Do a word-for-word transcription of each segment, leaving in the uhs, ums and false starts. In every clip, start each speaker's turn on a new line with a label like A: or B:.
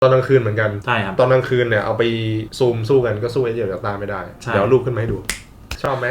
A: ตอนกลางคืนเหมือนกัน
B: ใช่ครับ
A: ตอนกลางคืนเนี่ยเอาไปซูมสู้กันก็สู้ไอ้เดียวกับตาไม่ได้เดี๋ยวรูปขึ้นมาให้ดูชอบไหม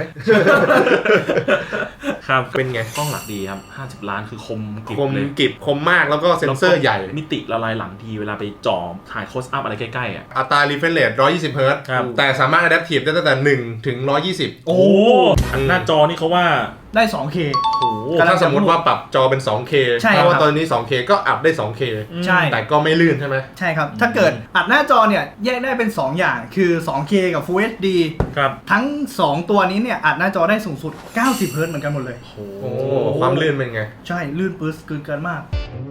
B: ครับ
A: เป็นไง
B: กล้องหลักดีครับห้าสิบล้านคือคมกิบ
A: คม
B: เลย
A: กิบคมมากแล้วก็เซ็นเซอร์ใหญ่
B: มิติละลายหลังทีเวลาไปจ่อถ่ายโคสอัพอะไรใกล้ๆอ่ะ
A: อัตรา refresh rate หนึ่งร้อยยี่สิบเฮิร์ตซ์แต่สามารถ adaptive ได้ตั้งแต่หนึ่งถึงหนึ่งร้อยยี่สิบ
B: โอ้หน้าจอนี่เขาว่า
C: ได้ สองเค
B: โอ้
A: ถ้าสมมติว่าปรับจอเป็น สองเค เพราะว่าตอนนี้ สองเค ก็อัพได้ สองเค
C: ใช่
A: แต่ก็ไม่ลื่นใช่ไหม
C: ใช่ครับถ้าเกิดอัดหน้าจอเนี่ยแยกได้เป็นสองอย่างคือ สองเค กับ Full เอช ดี
B: ครับ
C: ทั้งสองตัวนี้เนี่ยอัดหน้าจอได้สูงสุดเก้าสิบเฮิร์ตซ์เหมือนกันหมดเลย
A: โอ้ความลื่นเป็นไง
C: ใช่ลื่นปื๊ดเกินเกินมาก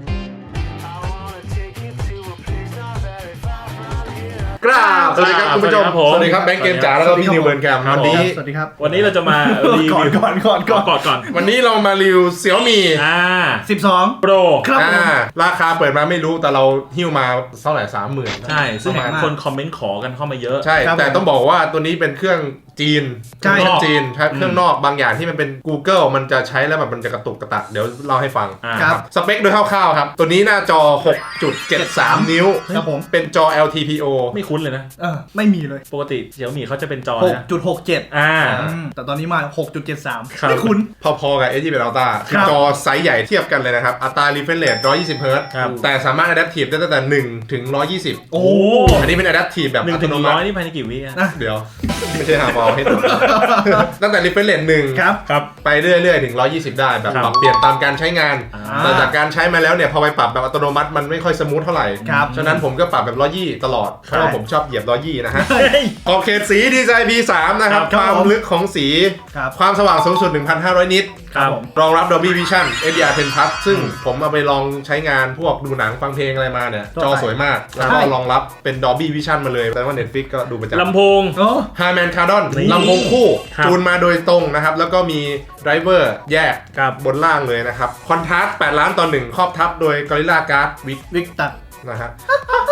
A: กราบสวัสดีครับคุณผู้ชมสวัสดีครับแบงค์เกมจ๋าแล้วก็พี่นิวเบิร์นแคมวันนี้
C: สวัสดีครับ
B: วันนี้เราจะมารีวิว
C: ก่อนก่อนก่อน
B: ก่อนก่อน
A: วันนี้เรามารีวิวเสี่ยวมี่
B: อ่า
C: สิบสอง
B: โปร
C: ครับผม
A: ราคาเปิดมาไม่รู้แต่เราหิ้วมาเท่าไหร่สามหมื่น
B: ใช่ซึ่งคนคอมเมนต์ขอกันเข้ามาเยอะ
A: ใช่แต่ต้องบอกว่าตัวนี้เป็นเครื่องจีน
C: ใช่
A: จีนเครื่องนอกบางอย่างที่มันเป็น Google มันจะใช้แล้วแบบมันจะกระตุกกระตักเดี๋ยวเล่าให้ฟัง
C: ครับ
A: สเปคโดยคร่าวๆครับตัวนี้หน้าจอ หกจุดเจ็ดสาม นิ้ว
C: ครับผม
A: เป็นจอ แอล ที พี โอ
B: ไม่คุ้นเลยนะ
C: เออไม่มีเลย
B: ปกติเสี่ยวมี่เขาจะเป็นจอ
C: หกจุดหกเจ็ด
B: อ่า
C: แต่ตอนนี้มา หกจุดเจ็ดสาม ไม่คุ้น
A: พอๆกับ เอช ดี Ultra คือจอไซส์ใหญ่เทียบกันเลยนะครับอัตรา refresh rate หนึ่งร้อยยี่สิบเฮิร์ตซ์แต่สามารถ adaptive ได้ตั้งแต่หนึ่งถึงหนึ่งร้อยยี่สิบ
B: โอ้
A: อันนี้เป็น adaptive แบบ
B: อัตโนมัตินี่ภายในกี่วิอ่ะ
A: เดี๋ยวไม่ใช่หาบอลให้ตัวตั้งแต่ refresh rate หนึ่ง
C: ครับ
A: ครับไปเรื่อยๆถึงหนึ่งร้อยยี่สิบได้แบบปรับเปลี่ยนตามการใช้งานแต่จากการใช้มาแล้วเนี่ยพอไปปรับแบบอัตโนมัติมันไม่ค่อยสมูทเท่าไหร่ฉะนั้นผมก็ปรับแบบหนึ่งร้อยยี่สิบตลอดเพราะว่าผมชอบเหยียบหนึ่งร้อยยี่สิบนะฮะขอบเขตสีดีไซน์ พี สาม นะครับความลึกของสีความสว่างสูงสุด หนึ่งพันห้าร้อย นิตรองรับ Dolby Vision เอช ดี อาร์ เท็น Plus ซึ่งผมเอาไปลองใช้งานพวกดูหนังฟังเพลงอะไรมาเนี่ยจอสวยมากแล้วก็รองรับเป็น Dolby Vision มาเลยแต่ว่า Netflix ก็ดูประจำ
B: ลำโพง
A: Harman Kardon ลำโพงคู่จูนมาโดยตรงนะครับแล้วก็มีไดรเวอร์แยกบนล่างเลยนะครับคอนทราสต์แปดล้านต่อหนึ่งครอบทับโดย Gorilla Glass วิก
C: วิกตัด
A: นะฮะ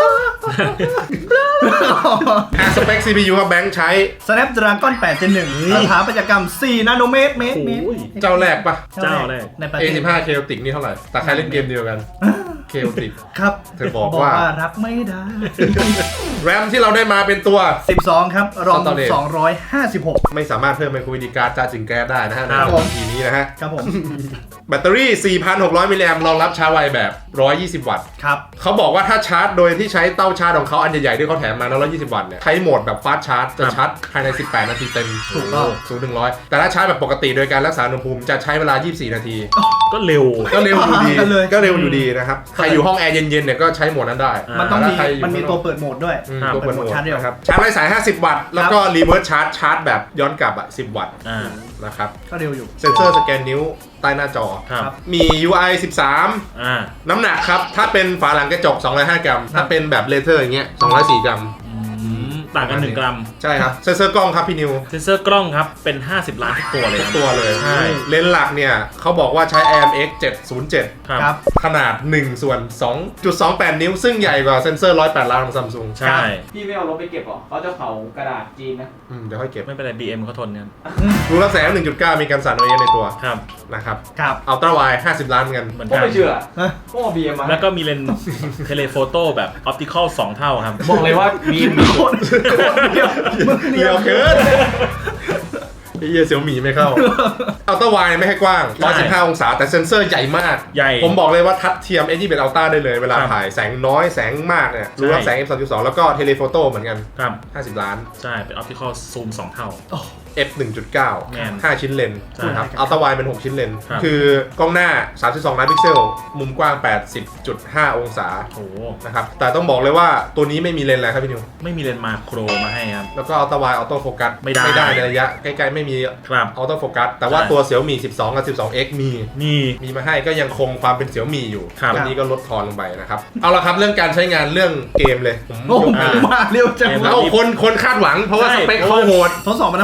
A: สเปค ซี พี ยู ครับแบงค์ใช้
C: Snapdragon แปด Gen หนึ่งสถาปัตยกรรมสี่นาโนเมตรเมตรเมตร
A: เจ้าแรกปะ
B: เจ้าแรก
C: ในประเท
A: เอ
C: ศ
A: สิบห้า Chaotic นี่เท่าไหร่แต่ใครเล่นเกมเดียวกัน Chaotic
C: ครับ
A: เธอบอกว่า
C: รับไม่ได้
A: แรมที่เราได้มาเป็นตัว
C: สิบสองครับรอมสองร้อยห้าสิบหก
A: ไม่สามารถเพิ่มไมโคร วี ดี การ์ดจ่าจึงแก๊สได้นะฮะในทีนี้นะฮะ
C: ครับผม
A: แบตเตอรี่ สี่พันหกร้อย มิลลิแอมป์รองรับชาร์จไวแบบ หนึ่งร้อยยี่สิบ วัตต์
C: ครับ
A: เขาบอกว่าถ้าชาร์จโดยที่ใช้เต้าชาร์จของเขาอันใหญ่ๆที่เขาแถมมาหนึ่งร้อยยี่สิบ วัตต์เนี่ยใช้โหมดแบบฟาสต์ชาร์จจะชาร์จภายในสิบแปดนาทีเต็ม
C: ถูกต้อง
A: ศูนย์ถึงหนึ่งร้อยแต่ถ้าชาร์จแบบปกติโดยการรักษาอุณหภูมิจะใช้เวลายี่สิบสี่นาที
B: ก็เร็ว
A: ก็เร็วอยู่ดีก็เร็วอยู่ดีนะครับใครอยู่ห้องแอร์เย็นๆเนี่ยก็ใช้โหมดนั้นได้
C: มันต้องมีมันมีตัวเปิดโหมดด้วย
A: ตัวเปิดโหมดนะครับชาร์จไร้สายห้าสิบวัตต์แล้วก็รีเวิร์สชาร์จชาร์จแบบย้อนกลับอ่ะสิบวัตต์นะครับ
C: ก็เร็วอยู่
A: เซ็นเซอร์สแกนนิ้วใต้หน้าจอมี ยู ไอ สิบสามน้ำหนักครับถ้าเป็นฝาหลังกระจกสองร้อยห้ากรัมถ้าเป็นแบบเลเทอร์อย่างเงี้ยสองร้อยสี่กรัม
B: ต่างกันหนึ่งกรัม
A: ใช่ครับเซนเซอร์กล้องครับพี่นิว
B: เซนเซอร์กล้องครับเป็นห้าสิบล้านทุกตัวเลย
A: ทุกตัวเลย
B: ใช่
A: เลนส์หลักเนี่ยเขาบอกว่าใช้ ไอ เอ็ม เอ็กซ์ เจ็ดศูนย์เจ็ด
C: ครับ
A: ขนาดหนึ่งส่วน สองจุดสองแปด นิ้วซึ่งใหญ่กว่าเซนเซอร์หนึ่งร้อยแปดล้านของ Samsung
B: ใช่
D: พี่ไม่เอารถไปเก็บหรอเขาจะเผากระดาษจีนนะ
A: อืมเดี๋ยวค่อยเก็บ
B: ไม่เป็นไร บี เอ็ม เขาทนกัน
A: รูรับแสง หนึ่งจุดเก้า มีการสั่น โอ เอส ในตัว
B: ครับ
A: นะครับ
C: ครับ
A: อัลตร้าไวด์ห้าสิบล้านเหมือนกัน
D: เหมือนกันไม่เชื่อพวก บี เอ็ม มา
B: แล้วก็มีเลนส์เทเลโฟโต้แบบออปติคอลสองเท่าครับ
D: บอกเลยว่า บี เอ็ม
C: โคตรเดียว
A: เดียวเกินไอ้เหี้ยเสี่ยวหมี่ไม่เข้าอัลตร้าไวด์ไม่ให้กว้างหนึ่งร้อยสิบห้าองศาแต่เซ็นเซอร์ใหญ่มาก
B: ใหญ่
A: ผมบอกเลยว่าทัดเทียม เอช ดี เป็นอัลต้าได้เลยเวลาถ่ายแสงน้อยแสงมากเนี่ยรู้ว่าแสง เอฟ สามจุดสอง แล้วก็เทเลโฟโต้เหมือนกัน
B: ครับ
A: ห้าสิบล้าน
B: ใช่เป็นออปติคอลซูมสองเท่า
A: เอฟ หนึ่งจุดเก้า ห้าชิ้นเลนส์ครับอัลตร้าไวด์เป็นหกชิ้นเลนส์คือกล้องหน้าสามสิบสองล้านพิกเซลมุมกว้าง แปดสิบจุดห้า องศา
B: โอ้
A: นะครับแต่ต้องบอกเลยว่าตัวนี้ไม่มีเลนส์อะไรครับพี่นิว
B: ไม่มีเลนส์มาโครมาให้ครับ
A: แล้วก็อัลตร้าไวด์ออโต้โฟกัส
B: ไม่ได้
A: ไม่ได้ในระยะใกล้ๆไม่มี
B: ครับ
A: ออโต้โฟกัสแต่ว่าตัว Xiaomi สิบสองกับ สิบสอง เอ็กซ์ มี
B: มี
A: มีมาให้ก็ยังคงความเป็น Xiaomi อยู่ตัวนี้ก็ลดทอนลงไปนะครับเอาละครับเรื่องการใช้งานเรื่องเกมเลย
C: ผมมาเร็วจัง
A: แล้วคนคนคาดหวังเพราะว่าสเปคเขาโหด
C: ทดสอบมาทั้งหมดเจ็ด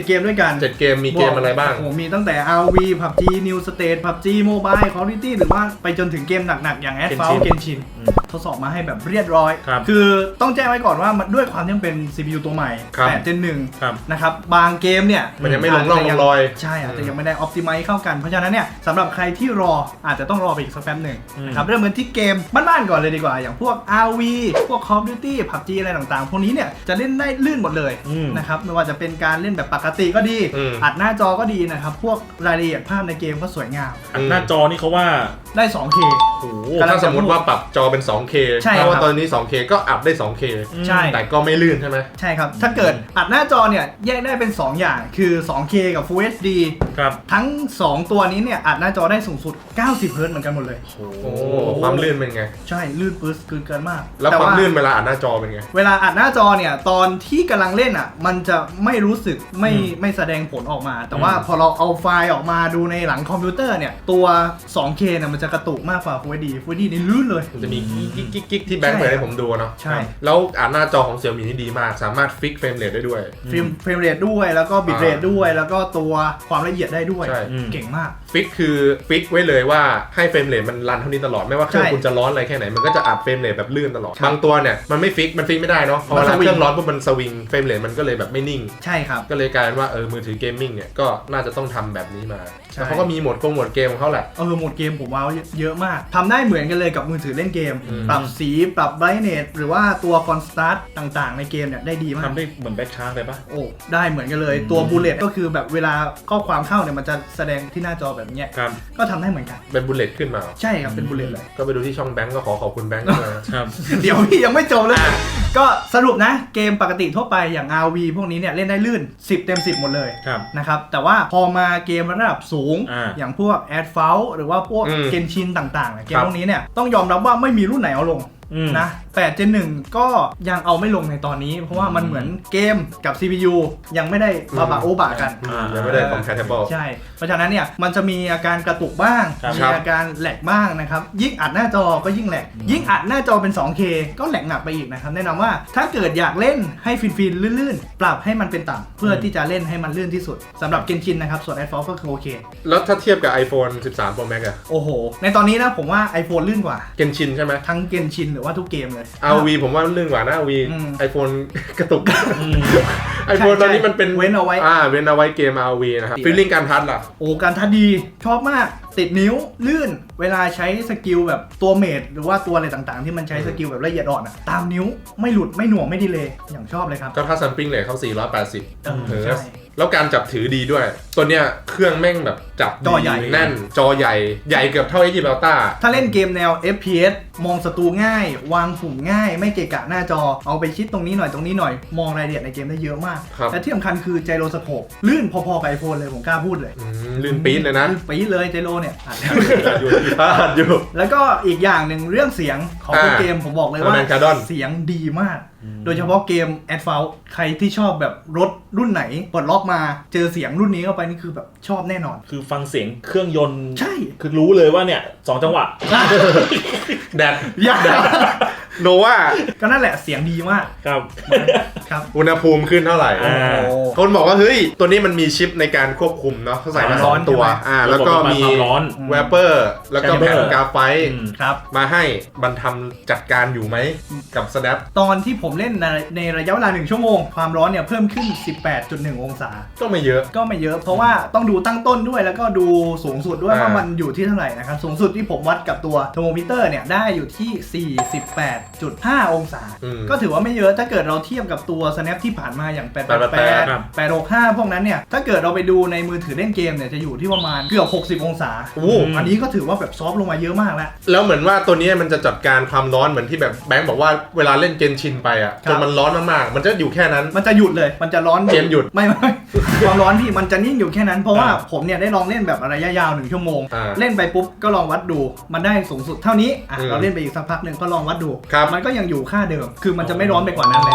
C: เกมด้วยกัน
A: เจ็ดเกมมีเกมอะไรบ้าง
C: โอ้โหมีตั้งแต่ อาร์ วี พับจี New State พับจี Mobile Call of Duty หรือว่าไปจนถึงเกมหนักๆอย่าง Asphalt Genshin ทดสอบมาให้แบบเรียบร้อย คือต้องแจ้งไว้ก่อนว่ามันด้วยความที่มันเป็น ซี พี ยู ตัวใหม่ แปด เจน หนึ่ง นะครับบางเกมเนี่ย
A: มันยังไม่ลงร่องลงรอย
C: ใช่อาจจะยังไม่ได้ optimize เข้ากันเพราะฉะนั้นเนี่ยสำหรับใครที่รออาจจะต้องรอไปอีกสักแป๊บหนึ่งนะครับเริ่มกันที่เกมบ้านๆก่อนเลยดีกว่าอย่างพวก อาร์ วี พวก Call of Duty พับจี อะไรต่างๆพวกนี้เนี่ยจะเล่นได้ลื่นหมดเลยนะครับไม่ว่าจะเป็นการเล่นแบบปกติก็ดีอัดหน้าจอก็ดีนะครับพวกรายละเอียดภาพในเกมก็สวยงาม
B: อัดหน้าจอนี่เขาว่า
C: ได้ สองเค
A: โอ้โหถ้าสมมติว่าปรับจอเป็น สองเค เพราะว่าตอนนี้ สองเค ก็อัพได้ สองเค
C: ใช่
A: แต่ก็ไม่ลื่นใช่ไหม
C: ใช่ครับถ้าเกิดอัดหน้าจอเนี่ยแยกได้เป็นสองอย่างคือ สองเค กับ Full เอช ดี
B: ครับ
C: ทั้งสองตัวนี้เนี่ยอัดหน้าจอได้สูงสุดเก้าสิบเฮิร์ตซ์เหมือนกันหมดเลย
A: โอ้โหความลื่นเป็นไง
C: ใช่ลื่นปื๊ดเกินมาก
A: แล้วความลื่นเวลาอัดหน้าจอเป็นไง
C: เวลาอัดหน้าจอเนี่ยตอนที่กำลังเล่นอ่ะมันจะไม่รู้สึกไม่ไม่แสดงผลออกมาแต่ว่าพอเราเอาไฟล์ออกมาดูในหลังคอมพิวเตอร์เนี่ยตัว สองเค เนี่ยมันจะกระตุกมากกว่า Full เอช ดี Full เอช ดี นี่ลื่นเลย
A: มันจะมีกิ๊กกิ๊กกิ๊กที่แบงค์เปิดให้ผมดูเนาะใช่แล้วอัดหน้าจอของ Xiaomi นี่ดีมากสามารถฟิกเฟรมเรทได้ด้วย
C: เฟรมเฟรมเรทด้วยแล้วก็บิตเรทด้วยแล้วก็ตัวความละเอียดได้ด้วยเก่งมาก
A: ฟิกคือฟิกไว้เลยว่าให้เฟรมเรทมันรันเท่านี้ตลอดไม่ว่าเครื่องคุณจะร้อนอะไรแค่ไหนมันก็จะอัดเฟรมเรทแบบลื่นตลอดบางตัวเนี่ยมันไม่ฟิกมันฟิกไม่ได้เนาะพอเวลาเครื่องร้อนปุ๊บมันสวิงเฟรมเรทมันก็เลยแบบไม่นิ่ง
C: ใช่ครับ
A: ก็เลยกลายเป็นว่าเออมือถือเกมมิ่งเนี่ยก็น่าจะต้องทำแบบนี้มาแล้วเขาก็มีโหมดกงโหมดเกมของเขาแหละ
C: เออโหมดเกมผมว่าเยอะมากทำได้เหมือนกันเลยกับมือถือเล่นเกมปรับสีปรับไบรท์เนสหรือว่าตัวคอนสตาร์ทต่างๆในเกมเนี่ยได้ดีมาก
B: ทำได้เหมือนแบ็คชาร์กเลยปะ
C: โอ้ได้เหมือนกันเลยตัวบูลเลตก็คือแบบเวลาข้อความเข้าเนี่ยมันจะแสดงที่หน้าจอแบบนี้ก็ทำได้เหมือนกัน
A: เป็นบูลเลตขึ้นมา
C: ใช่ครับเป็นบูลเลตเลย
A: ก็ไปดูที่ช่องแบงก์ก็ขอขอบคุณแบงก์ด้วย
B: ครับ
C: เดี๋ยวพี่ยังไม่จบเลยก็สรุปนะเกมปกติทั่วไปอย่าง อาร์ วี พวกนี้เนี่ยเล่นได้ลื่นสิบเต็มสิบหมดเลยนะครับแต่ว่าพอมาเกมระดับสูงอย่างพวก Asphalt หรือว่าพวกเกนชินต่างๆเกมพวกนี้เนี่ยต้องยอมรับว่าไม่มีรุ่นไหนเอาลงนะแปด เจน หนึ่งก็ยังเอาไม่ลงในตอนนี้เพราะว่ามันเหมือนเกมกับ ซี พี ยู ยังไม่ได้บาบาโอบะกัน
A: ยังไม่ได้ compatible
C: ใช่เพราะฉะนั้นเนี่ยมันจะมีอาการกระตุกบ้างมีอาการแหลกบ้างนะครับยิ่งอัดหน้าจอก็ยิ่งแหลกยิ่งอัดหน้าจอเป็น สองเค ก็แหลกหนักไปอีกนะครับแนะนำว่าถ้าเกิดอยากเล่นให้ฟินๆลื่นๆปรับให้มันเป็นต่ำเพื่อที่จะเล่นให้มันลื่นที่สุดสำหรับเกนชินนะครับส่วน Asphalt ก็คือโอเค
A: แล้วถ้าเทียบกับ iPhone สิบสาม Pro Max อะ
C: โอ้โหในตอนนี้นะผมว่า iPhone ลื่นกว่า
A: เกนชินใช่ไหม
C: ทั้งเกนชินหรือว่าทุกเกมเลย
A: อาร์ วี ผมว่าลื่นกว่านะ อาร์ วี iPhone กระตุก iPhone ตอนนี้มันเป็น
C: เว้นเอาไว้
A: อ่าเว้นเอาไว้เกม อาร์ วี นะครับฟีลลิ่งการทัชล่ะ
C: โอ้การทัชดีชอบมากติดนิ้วลื่นเวลาใช้สกิลแบบตัวเมดหรือว่าตัวอะไรต่างๆที่มันใช้สกิลแบบละเอียดอ่อนอ่ะตามนิ้วไม่หลุดไม่หน่วงไม่ดีเลยอย่างชอบเลยครับ
A: ก็ถ้าซัมปิ้งเลยเขาสี่ร้อยแปดสิบเฮิร์ตซ์แล้วการจับถือดีด้วยตัวเนี้ยเครื่องแม่งแบบจับ
C: จอใหญ่
A: แน่นจอใหญ่ใหญ่เกือบเท่า เอช ดี Ultra
C: ถ้าเล่นเกมแนว เอฟ พี เอส มองศัตรูง่ายวางปุ่มง่ายไม่เกะกะหน้าจอเอาไปชิดตรงนี้หน่อยตรงนี้หน่อยมองรายละเอียดในเกมได้เยอะมากและที่สำคัญคือไจโรสโคปลื่นพอๆกับ iPhone เลยผมกล้าพูดเลย
A: ลื่นปี๊ดเลยนะ
C: ลื่นปี๊ดเลยไจโรเนี่ย
A: อยู่อยู่
C: แล้วก็อีกอย่างหนึ่งเรื่องเสียงของเกมผมบอกเลยว่าเสียงดีมากโดยเฉพาะเกม Asphalt ใครที่ชอบแบบรถรุ่นไหนปลดล็อกมาเจอเสียงรุ่นนี้เข้าไปนี่คือแบบชอบแน่นอน
B: คือฟังเสียงเครื่องยนต์
C: ใช่
B: คือรู้เลยว่าเนี่ยสองจังหวะ
A: แดดยากโนว่า
C: ก็นั่นแหละเสียงดีมาก
B: ครับ
C: ครับ
A: อุณหภูมิขึ้นเท่าไหร่คนบอกว่าเฮ้ยตัวนี้มันมีชิปในการควบคุมเนาะเขาใส่มาสองตัวอ่าแล้วก็มีแวปเปอร์แล้วก็แผ่นกราไฟต์มาให้บรรทำจัดการอยู่ไหมกับ Snap
C: ตอนที่ผมเล่นในในระยะเวลาหนึ่งชั่วโมงความร้อนเนี่ยเพิ่มขึ้น สิบแปดจุดหนึ่ง องศา
A: ก็ไม่เยอะ
C: ก็ไม่เยอะเพราะว่าต้องดูตั้งต้นด้วยแล้วก็ดูสูงสุดด้วยว่ามันอยู่ที่เท่าไหร่นะครับสูงสุดที่ผมวัดกับตัวเทอร์โมมิเตอร์เนี่ยได้อยู่ที่ สี่สิบแปดจุดห้า องศาก็ถือว่าไม่เยอะถ้าเกิดเราเทียบกับตัว Snap ที่ผ่านมาอย่างแปดแปดแปด แปดหกห้าพวกนั้นเนี่ยถ้าเกิดเราไปดูในมือถือเล่นเกมเนี่ยจะอยู่ที่ประมาณเกือบหกสิบองศาโอ้อันนี้ก็ถือว่าแบบซอฟต์ลงมาเยอะมากแล้ว
A: แล้วเหมือนว่าตัวนี้มันจะจัดการความร้อนเหมือนที่แบบแบงค์บอกว่าเวลาเล่นเกนชินไปอ่ะจนมันร้อนมากๆมันจะอยู่แค่นั้น
C: มันจะหยุดเลยมันจะร้อน
A: เกมหยุด
C: ไม่ไม่ความร้อนพี่มันจะนิ่งอยู่แค่นั้นเพราะว่าผมเนี่ยได้ลองเล่นแบบระยะยาวหนึ่งชั่วโมงเล่นไปปุ๊บก็ลองวัดดูมันได้สูงสุดเท่านี้อ่ะเราเล่นไปอีกสักพักหนึ่งก็ลองวัดดูมันก็ยังอยู่ค่าเดิมคือมันจะไม่ร้อนไปกว่านั้นแล้ว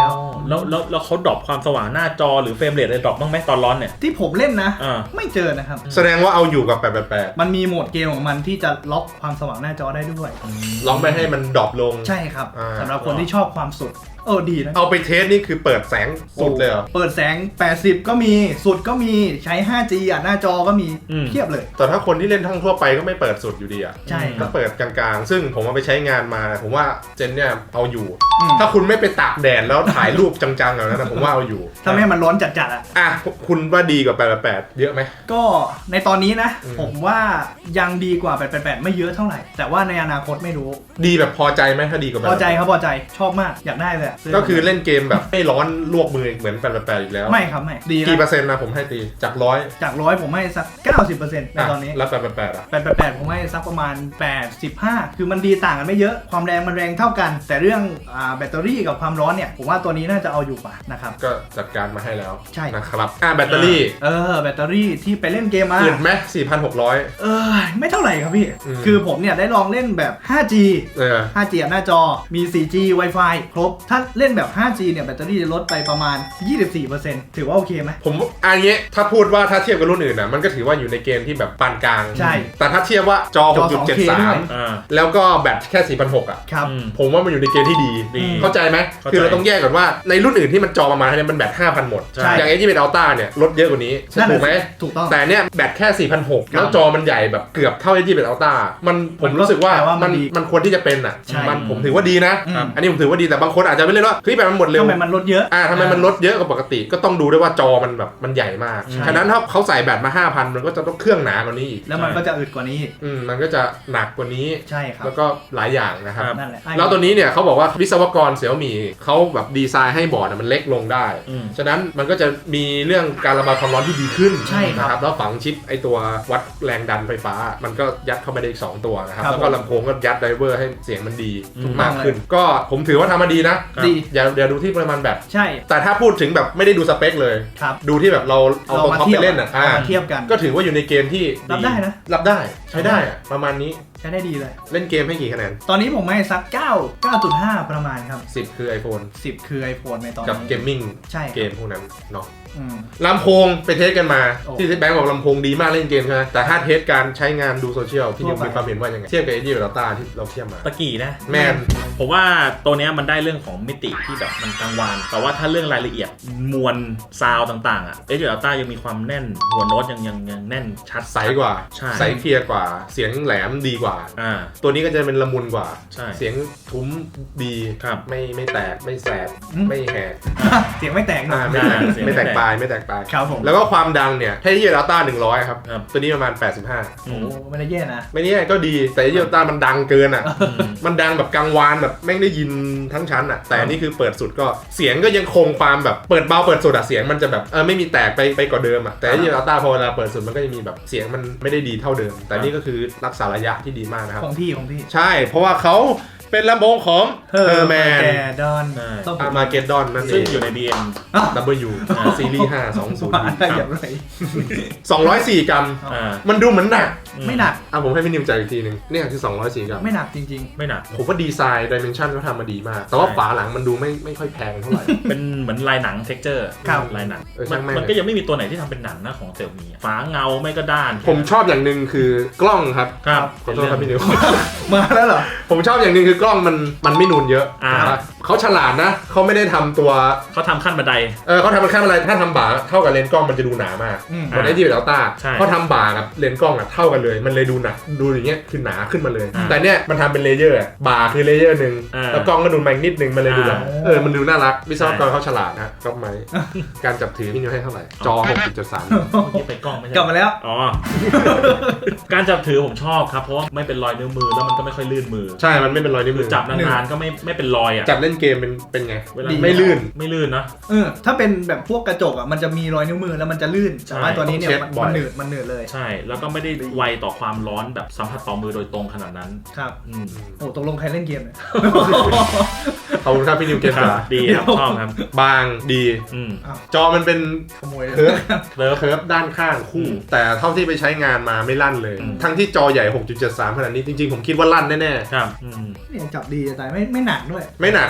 B: แล้วแล้วแล้วเขาดรอปความสว่างหน้าจอหรือเฟรมเรทอะไรดรอปบ้างไหมตอนร้อนเนี่ย
C: ที่ผมเล่นนะ
B: อ่า
C: ไม่เจอนะครับ
A: แสดงว่าเอาอยู่กับแปดแปดแปด
C: มันมีโหมดเกมของมันที่จะล็อกความสว่างหน้าจอได้ด้วย
A: ล็อกไม่ให้มันดรอปลง
C: ใช่ครับสำหรับคนที่ชอบความสุดเออดีนะ
A: เอาไปเทสนี่คือเปิดแสงสุดเลยเหรอ
C: เปิดแสงแปดสิบก็มีสุดก็มีใช้ ห้าจี อ่ะหน้าจอก็มีเทียบเลย
A: แต่ถ้าคนที่เล่นทั้งทั่วไปก็ไม่เปิดสุดอยู่ดีอ่ะ
C: ใช่
A: ก็เปิดกลางๆซึ่งผมเอาไปใช้งานมาผมว่าเจนเนี่ยเอาอยู่ถ้าคุณไม่ไปตากแดดแล้วถ่ายรูปจังๆอย่างนั้นผมว่าเอาอยู่
C: ถ้าไม่มันร้อนจัดๆอ่ะ
A: อ่ะคุณว่าดีกว่าแปดแปดแปดเยอะไหม
C: ก็ในตอนนี้นะผมว่ายังดีกว่าแปดแปดแปดไม่เยอะเท่าไหร่แต่ว่าในอนาคตไม่รู้
A: ดีแบบพอใจไหมถ้าดีกว่า
C: พอใจครับพอใจชอบมากอยากได้เลย
A: ก็คือเล่นเกมแบบไม่ร้อนลวกมือเหมือนแปดแปดแปดอีกแล้ว
C: ไม่ครับไม่ดี
A: กี่เปอร์เซ็นต์นะผมให้ตีจากร้อย
C: จากร้อยผมให้สัก เก้าสิบเปอร์เซ็นต์ ในตอนนี้
A: แล้วแปดแปดแปดอ่ะ
C: แปดแปดแปดผมให้สักประมาณแปดสิบห้าคือมันดีต่างกันไม่เยอะความแรงมันแรงเท่ากันแต่เรื่องอ่าแบตเตอรี่กับความร้อนเนี่ยผมว่าตัวนี้น่าจะเอาอยู่กว่านะครับ
A: ก็จัดการมาให้แล้ว
C: ใช่
A: นะครับอ่าแบตเตอรี่
C: เออแบตเตอรี่ที่ไปเล่นเกมมา
A: อื่นไหม สี่พันหกร้อย
C: เออไม่เท่าไหร่ครับพี่คือผมเนี่ยได้ลองเล่นแบบ ห้าจี
A: เออ
C: ห้าจี หน้าจอมี สี่จี Wi-Fi ครบถ้าเล่นแบบ ห้าจี เนี่ยแบตเตอรี่จะลดไปประมาณ ยี่สิบสี่เปอร์เซ็นต์ ถือว่าโอเคไหม
A: ผมอันนี้ถ้าพูดว่าถ้าเทียบกับรุ่นอื่นนะมันก็ถือว่าอยู่ในเกณฑ์ที่แบบปานกลาง
C: ใช่
A: แต่ถ้าเทียบว่าจอ หกจุดเจ็ดสาม แล้วก็แบตแค่ สี่พันหกร้อย อ่ะ
C: ครับ
A: ผมว่ามันอยู่ในเกณฑ์ที่ดีเข้าใจไหมคือเราต้องแยกก่อนว่าในรุ่นอื่นที่มันจอประมาณนี้มันแบต ห้าพัน หมดอย่าง เอ ยี่สิบเอ็ด Ultra เนี่ยลดเยอะกว่านี้ถูกไหม
C: ถูกต้อง
A: แต่เนี่ยแบตแค่ สี่พันหกร้อย แล้วจอมันใหญ่แบบเกือบเท่า เอ ยี่สิบเอ็ด Ultra มันผมรู้สึกว่ามันมันควรที่จะเป็นอ่ะมันผมถือว่าดีนะอันนี้ผมถือว่าดีแต่บางคนอาจจะไม่เล่นว่าเฮ้ยแบบมันหมดเร็ว
C: ทำไมมันลดเยอะ
A: อ่าทำไมมันลดเยอะกว่าปกติก็ต้องดูด้วยว่าจอมันแบบมันใหญ่มากฉะนั้นถ้าเขาใส่แบตมา ห้าพัน มันก็จะต้องเครื่องหนากว่านี้อีก
C: แล้วมันก็จะอึดกว่านี้
A: อืมมันก็จะหนักกว่านี้
C: ใช่ครับ
A: แล้วก็หลายอย่างนะครับ
C: นั่นแหละ
A: แล้วตัวนี้เนี่ยเขาบอกว่าวิศวกรเสี่ยวหมี่เขาแบบดีไซน์ให้บอร์ดมันเล็กลงได้ฉะนั้นมันก็จะมีเรื่องการระบายความร้อนที่ดีขึ้นนะครับแล้วฝังชิปไอตัววัดแรงดันไฟฟ้ามันก็ยัดเข้าไปได้อีกสองตัวนะครับแล้วก็ลำโพงก็ยัดไดเวอร์ให้เสียงมันดีมากขึ้นก็ผมถือว่าทำมาดีนะ
C: ดี
A: อย่าอย่าดูที่ปริมาณแบต
C: ใช่
A: แต่ถ้าพูดถึงแบบไม่ได้ดูสเปคเลยดูที่แบบเราเอาตัวท็อปไปเล่นอ่ะ
C: เทียบกัน
A: ก็ถือว่าอยู่ในเกณฑ์ที่
C: รับได้นะ
A: รับได้ใช้ได้ประมาณนี้
C: ใช้ได้ดีเลย
A: เล่นเกมให้กี่คะแนน
C: ตอนนี้ผมให้สักเก้า เก้าจุดห้า ประมาณครับ
A: สิบคือ iPhone
C: สิบคือ iPhone ในตอนนี้
A: กับเกมมิ่ง
C: ใช่
A: เกมพวกนั้นเนาะลำโพงไปเทสกันมาที่แบงค์บอกลำโพงดีมากเล่นเกมใช่ไหมแต่ถ้าเทสการใช้งานดูโซเชียลพี่นิวมีความเห็นว่ายังไงเทียบกับ เอ ยี่สิบเอ็ด Ultra ที่เราเทียบมา
B: ตะกี้นะ
A: แมน
B: ผมว่าตัวนี้มันได้เรื่องของมิติที่แบบมันกลางวานแต่ว่าถ้าเรื่องรายละเอียดมวลซาวต่างๆอ่ะ เอ ยี่สิบเอ็ด Ultra ยังมีความแน่นหัวโน้ตยังยังยังแน่นชัด
A: ใสกว่าใสเคลียร์กว่าเสียงแหลมดีกว่าตัวนี้ก็จะเป็นละมุนกว่าเสียงทุ้มดีไม่ไม่แตกไม่แสบไม่แหก
C: เสียงไม่แตกนะ
A: ไม่แตกไม่แตกปลายไม่แตกปลายแล้วก็ความดังเนี่ยให้ยี่สิบเอ็ด Ultra หนึ่งร้อยครับตัวนี้ประมาณแปดสิบห้า
C: โอ้ไม่ได้แย่นะ
A: ไม่ได้แย่ก็ดีแต่ยี่สิบเอ็ด Ultra มันดังเกินอ่ะมันดังแบบกังวานแบบแม่งได้ยินทั้งชั้นอ่ะแต่นี่คือเปิดสุดก็เสียงก็ยังคงความแบบเปิดเบาเปิดสุดอ่ะเสียงมันจะแบบเออไม่มีแตกไปไปกว่าเดิมอ่ะแต่ยี่สิบเอ็ด Ultra พอเวลาเปิดสุดมันก็จะมีแบบเสียงมันไม่ได้ดีเท่าเดิมแต่นี่ก็คือรักษาระยะที่ดีมากนะครับ
C: ของพี่ของพี่
A: ใช่เพราะว่าเขาเป็นลำโพงของเฮอร์แมน
C: ดอน
A: มาเกดดอนนั่นเอง
B: ซึ่งอยู่ใน บี เอ็ม
A: ดับเบิลยูซีรีส์ห้าสองศูนย์
C: อย่างไร
A: สองร้อยสี่กรัมมันดูเหมือนหนัก
C: ไม่หนัก
A: อ่ะผมให้พี่นิวใจอีกทีนึงนี่คือสองร้อยสี่กรัม
C: ไม่หนักจริง
B: ๆไม่หนัก
A: ผมว่าดีไซน์ดิเมนชันเขาทำมาดีมากแต่ว่าฝาหลังมันดูไม่ไม่ค่อยแพงเท่าไหร่
B: เป็นเหมือนลายหนังเท็กเจอร์ลายหนังมันก็ยังไม่มีตัวไหนที่ทำเป็นหนังนะของเสี่ยวมี่ฝาเงาไม่ก็ด้าน
A: ผมชอบอย่างนึงคือกล้องครับขอโทษครับพี่นิว
C: มาแล้วเหรอ
A: ผมชอบอย่างนึงคือกล้องมันมันไม่นูนเยอะเขาฉลาดนะเขาไม่ได้ทำตัว
B: เขาทำขั้นบันได
A: เออเขาทำเป็นขั้นบันไดถ้าทำบ่าเท่ากับเลนส์กล้องมันจะดูหนามากบนไอ้ที่เป็นอัลต้าเขาทำบ่ากับเลนส์กล้องอ่ะเท่ากันเลยมันเลยดูหนาดูอย่างเงี้ยคือหนาขึ้นมาเลยแต่เนี้ยมันทำเป็นเลเยอร์บ่าคือเลเยอร์หนึ่งแล้วกล้องก็ดูมานิดนึงมันเลยดูแบบเออมันดูน่ารักวิศวกรเขาฉลาดนะก็ไหมการจับถือพี่นิวให้เท่าไหร่จอ หกจุดสาม
B: นี่เป็นกล้องไม่ใช่
C: กลับมาแล้ว
B: อ๋อการจับถือผมชอบครับเพราะว่าไม่เป็นรอยนิ้วมือแล้วมันก็ไม่ค่อยลื่นมือ
A: ใช่มันไม่เป็นรอยนิ้วมือ
B: จับนานๆก็ไม่ไม่เป็นรอยอ่ะ
A: จับเล่นเกมเป็นเป็นไงเวลาไม่ลื่น
B: ไม่ลื่นนะ
C: เออถ้าเป็นแบบพวกกระจกอ่ะมันจะมีรอยนิ้วมือแล้วมันจะลื่นแต่ว่าตัวนี้เนี่ยมันหนืดมันหนืดเลย
B: ใช่แล้วก็ไม่ได้ไวต่อความร้อนแบบสัมผัสต่อมือโดยตรงขนาดนั้น
C: ครับโอ้ตกลงใครเล่นเกมเนี่ย
A: ขอบคุณครับพี่นิวเกม
B: ครับดีครับชอบครับ
A: บางดีจอมันเป็น
C: ขโมย
A: เคิร์ฟเคิร์ฟด้านข้างคู่แต่เท่าที่ไปใช้งานมาไม่ลั่นเลยทั้งที่จอใหญ่ หกจุดเจ็ดสาม ขนาดนี้จริงๆผมคิดว่าลั่นแน่
B: ๆครับ
C: นี่จับดีแต่ไม่ไม่หนักด้วย
A: ไม่หนัก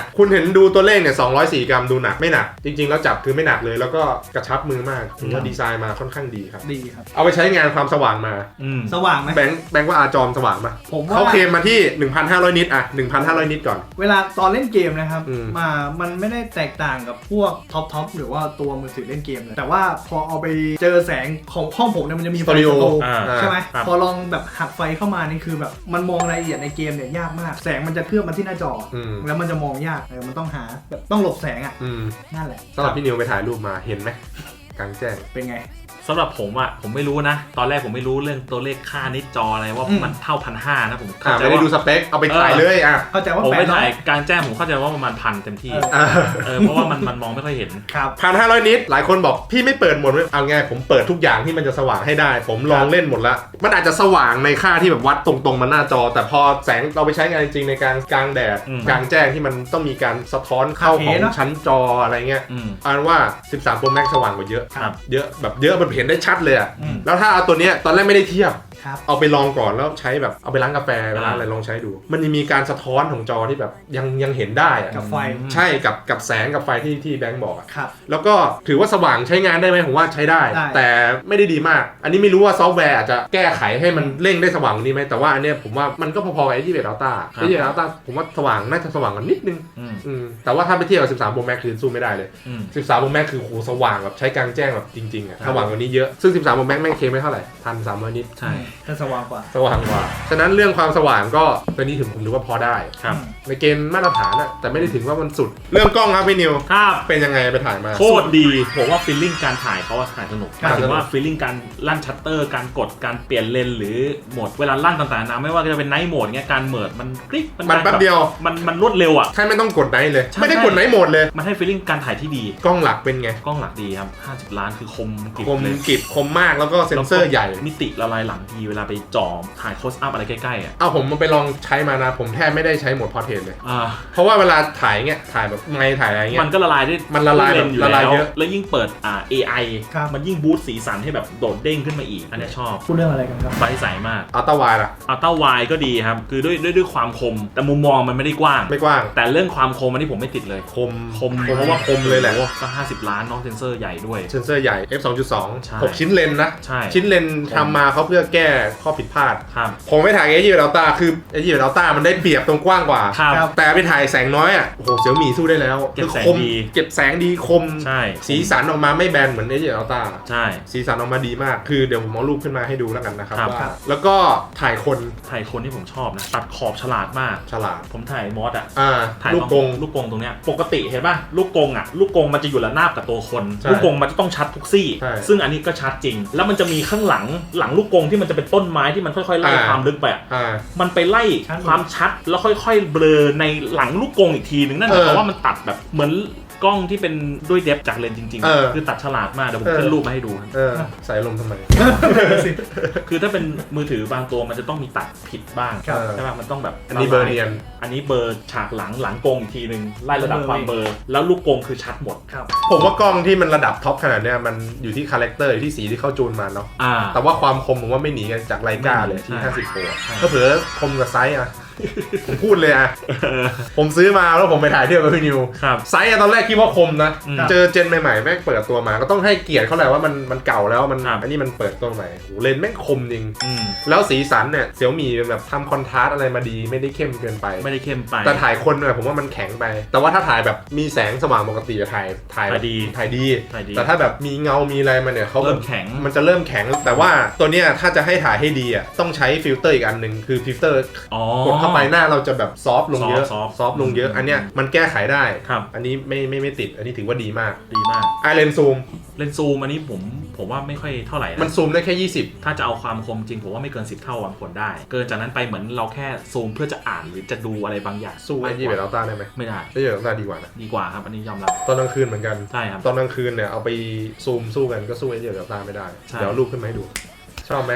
A: คุณเห็นดูตัวเลขเนี่ยสองร้อยสี่กรัมดูหนักไม่หนักจริงๆแล้วจับคือไม่หนักเลยแล้วก็กระชับมือมากถือว่าดีไซน์มาค่อนข้างดีครับ
C: ดีครับ
A: เอาไปใช้งานความสว่างมา
C: สว่างไหม
A: แบงค์แบงค์ว่าอาจอมสว่างปะ
C: ผมว่า
A: เขาเคลมมาที่ หนึ่งพันห้าร้อย นิตอ่ะ หนึ่งพันห้าร้อย นิตก่อน
C: เวลาตอนเล่นเกมนะครับมามันไม่ได้แตกต่างกับพวกท็อปท็อปหรือว่าตัวมือถือเล่นเกมเลยแต่ว่าพอเอาไปเจอแสงของห้องผมเนี่ยมันจะมีไฟสโตร์ใช่ไหมพอลองแบบหักไฟเข้ามานี่คือแบบมันมองรายละเอียดในเกมเนี่ยยากมากแสงมันจะเคลือบมาที่หน้าจอแล้วมันจะมองยากมันต้องหาแบบต้องหลบแสงอ่ะนั่นแหละ
A: สำหรับพี่นิวไปถ่ายรูปมาเห็นไหมกลางแจ้ง
C: เป็นไง
B: สำหรับผมอ่ะผมไม่รู้นะตอนแรกผมไม่รู้เรื่องตัวเลขค่านิดจออะไรว่ามันเท่าพันห้านะผม
A: เข้าใจว่าไม่ได้ดูสเปคเอาไปถ่ายเลยอ่ะ
C: เข้าใจว่า
B: ผมไปถ่ายกลางแจ้งผมเข้าใจว่าประมาณพันเต็มที่เออเพราะว่ามันมันมองไม่ค่อยเห็น
C: ครับ
A: พันห้าร้อยนิตหลายคนบอกพี่ไม่เปิดหมดเลยเอาไงผมเปิดทุกอย่างที่มันจะสว่างให้ได้ผมลองเล่นหมดแล้วมันอาจจะสว่างในค่าที่แบบวัดตรงๆมาหน้าจอแต่พอแสงเราไปใช้งานจริงในการกลางแดดกลางแจ้งที่มันต้องมีการสะท้อนเข้าของชั้นจออะไรเงี้ยอ่านว่าสิบสาม Pro Max สว่างกว่าเยอะเยอะแบบเยอะมันเห็นได้ชัดเลยอ่ะแล้วถ้าเอาตัวเนี้ยตอนแรกไม่ได้เทียบเอาไปลองก่อนแล้วใช้แบบเอาไปล้างกาแฟไปล้างอะไรลองใช้ดูมันมีการสะท้อนของจอที่แบบยังยังเห็นได้อะ
C: กับไฟ
A: ใช่กับกับแสงกับไฟที่ที่แบงค์บอกอ่ะแล้วก็ถือว่าสว่างใช้งานได้ไหมผมว่าใช้ได้แต่ไม่ได้ดีมากอันนี้ไม่รู้ว่าซอฟต์แวร์อาจจะแก้ไขให้มันเร่งได้สว่างกว่านี้ไหมแต่ว่าอันเนี้ยผมว่ามันก็พอๆกับไอ้ที่เบสอัลต้าไอ้ที่เบสอัลต้าผมว่าสว่างน่าจะสว่างกว่านิดนึงแต่ว่าถ้าไปเทียบกับสิบสาม Pro Max คือสู้ไม่ได้เลยสิบสาม Pro Max คือโหสว่างแบบใช้กลางแจ้งแบบจริงๆอ่ะสว่างกว่านี้เยอะซึ่งสิบสาม Pro Max แม่งเคลมไม่เท่าไหร่ หนึ่งพันสามร้อย นิต
B: ใช่
C: แต่สว่างกว่า
A: สว่างกว่าฉะนั้นเรื่องความสว่างก็ตัวนี้ถึงผมดูว่าพอได้
B: ครับ
A: ในเกณฑ์มาตรฐานอะแต่ไม่ได้ถึงว่ามันสุดเรื่องกล้องครับพี่นิว
B: ครับ
A: เป็นยังไงไปถ่ายมา
B: โคตรดีผมว่าฟีลลิ่งการถ่ายเขาถ่ายสนุกหมายถึงว่าฟีลลิ่งการลั่นชัตเตอร์การกดการเปลี่ยนเลนหรือโหมดเวลาลั่นต่างๆนะไม่ว่าจะเป็นไนท์โหมดเงี้ยการเมิร์ดมันคลิก
A: มันแป๊บเดียว
B: มันมันรวดเร็วอ่ะ
A: ใช่ไม่ต้องกดไนท์เลยไม่ได้กดไนท์โหมดเลย
B: มันให้ฟีลลิ่งการถ่ายที่ดี
A: กล้องหลักเป็นไง
B: กล้องหลักดีครับห้าสิบล้านคือคม
A: กริบคมกริบคมมากแล้วก็เซ็นเซอร์ใหญ่
B: มิติละลายหลังทีเวลาไปจ่อถ่ายโคสอัพอะไรใกล้ๆอ่ะ
A: เอาผมมันไปลองใช้มานะผมแทบไม่ได้ใช้โหมดพอร์เทรตเลยเพราะว่าเวลาถ่ายเงี้ยถ่ายแบบไงถ่ายอะไรเงี้ย
B: มันก็ละลายได้
A: มันละลายแบบละลายเยอะ
B: แล้วยิ่งเปิดอ่า เอ ไอ มันยิ่งบูสต์สีสันให้แบบโดดเด้งขึ้นมาอีกอันนี้ชอบ
C: พูดเรื่องอะไรกันครับ
B: ใบใสมาก
A: อัลต้าวายล่ะ
B: อัลต้าวายก็ดีครับคือด้วยด้วยด้วยความคมแต่มุมมองมันไม่ได้กว้าง
A: ไม่กว้าง
B: แต่เรื่องความคมอันนี้ผมไม่ติดเลย
A: คม
B: คม
A: เพราะว่าคมเลยแหละ
B: ก็ห้าสิบล้านน้องเซนเซอร์ใหญ่ด้วย
A: เซนเซอร์ใหญ่ เอฟ สองจุดสอง หกชิ้นเลนนะ
B: ใช่
A: ชิ้นเลนทำมาเขาเพื่อแก้ข้อผิดพลาด
B: ครับ
A: ผมไม่ถ่ายเอจีเบลต้าคือเอจีเบลต้ามันได้เปรียบตรงกว้างกว่าแต่ไปถ่ายแสงน้อยอ่ะโอ้โหเสี่ยวหมี่สู้ได้แล้ว
B: เก็บแสงดี
A: เก็บแสงดีคม
B: ใช่
A: สีสันออกมาไม่แบนเหมือนเอจีเบลต้า
B: ใช่
A: สีสันออกมาดีมากคือเดี๋ยวผมเอารูปขึ้นมาให้ดูแล้วกันนะครับว่าแล้วก็ถ่ายคน
B: ถ่ายคนที่ผมชอบนะตัดขอบฉลาดมาก
A: ฉลาด
B: ผมถ่ายมอสอ่ะ
A: ถ่ายลูกกง
B: ลูกกงตรงเนี้ยปกติเห็นป่ะลูกกงอ่ะลูกกงมันจะอยู่ระนาบกับตัวคนลูกกงมันจะต้องชัดทุกซี่ซึ่งอันนี้ก็ชัดจริงแล้วมันจะมีข้างหลังหลังลูกกงที่มันจะเป็นต้นไม้ที่มันค่อยๆไล่ความลึกไปมันไปไล่ความชัดแล้วค่อยๆเบลอในหลังลูกกงอีกทีนึงนั่นหมายความว่ามันตัดแบบเหมือนกล้องที่เป็นด้วยเดฟจากเลนส์จริงๆคือตัดฉลาดมากเดี๋ยวผมขึ้นรูปมาให้ดู
A: ใส่ลมทำไม
B: คือถ้าเป็นมือถือบางตัวมันจะต้องมีตัดผิดบ้างใช่ไหมมันต้องแบบ
A: อันนี้เบอร์เรียน
B: อันนี้เบอร์ฉากหลังหลังกงอีกทีนึงไล่ระดับความเบอร์แล้วลูกกงคือชัดหมด
A: ผมว่ากล้องที่มันระดับท็อปขนาดเนี้ยมันอยู่ที่คาแรคเตอร์อยู่ที่สีที่เข้าจูนมาเนาะแต่ว่าความคมผมว่าไม่หนีกันจากไลกาเลยที่ห้าสิบโปรก็เผื่อคมกับไซส์อะผมพูดเลยอะผมซื้อมาแล้วผมไปถ่ายเที่ยวกับพี่นิวไซส์ตอนแรกคิดว่าคมนะเจอเจนใหม่ๆแม่งเปิดตัวมาก็ต้องให้เกียรติเขาแหละว่ามันมันเก่าแล้วมันอันนี้มันเปิดตัวใหม่โหเลนส์แม่งคมจริงแล้วสีสันเนี่ยเสี่ยวหมี่แบบทำคอนทราสต์อะไรมาดีไม่ได้เข้มเกินไป
B: ไม่ได้เข้มไป
A: แต่ถ่ายคนเนี่ยผมว่ามันแข็งไปแต่ว่าถ้าถ่ายแบบมีแสงสว่างปกติถ่ายถ่าย
B: ดี
A: ถ่ายดีแต่ถ้าแบบมีเงามีอะไรมาเนี่ยเขา
B: เริ่มแข็ง
A: มันจะเริ่มแข็งแต่ว่าตัวเนี้ยถ้าจะให้ถ่ายให้ดีอ่ะต้องใช้ฟิลเตอร์อีกอันนึงคือฟิลเตอร์กดเข้าไปหน้าเราจะแบบซอฟลงเยอะซอฟลงเยอะอันเนี้ยมันแก้ไขได้อันนี้ไม่ไม่ไม่ติดอันนี้ถือว่าดีมาก
B: ดีมาก
A: ไอเลนซูม
B: เลนซูมอันนี้ผมผมว่าไม่ค่อยเท่าไหร่
A: มันซูมได้แค่ยี่สิบ
B: ถ้าจะเอาความคมจริงผมว่าไม่เกินสิบเท่าวางผลได้เกินจากนั้นไปเหมือนเราแค่ซูมเพื่อจะอ่านหรือจะดูอะไรบางอย่าง
A: สู้ไอ้ยี่เบลต้าได้ไหม
B: ไม่ได้
A: ไอ้ยี่เบลต้าดีกว่านะ
B: ดีกว่าครับอันนี้ยอมรับ
A: ตอนกลางคืนเหมือนกัน
B: ใช่ครับ
A: ตอนกลางคืนเนี่ยเอาไปซูมสู้กันก็สู้ไอ้ยี่เบลต้าไม่ได้เดี๋ยวรูปขึ้นมาให้ดูชอบไหม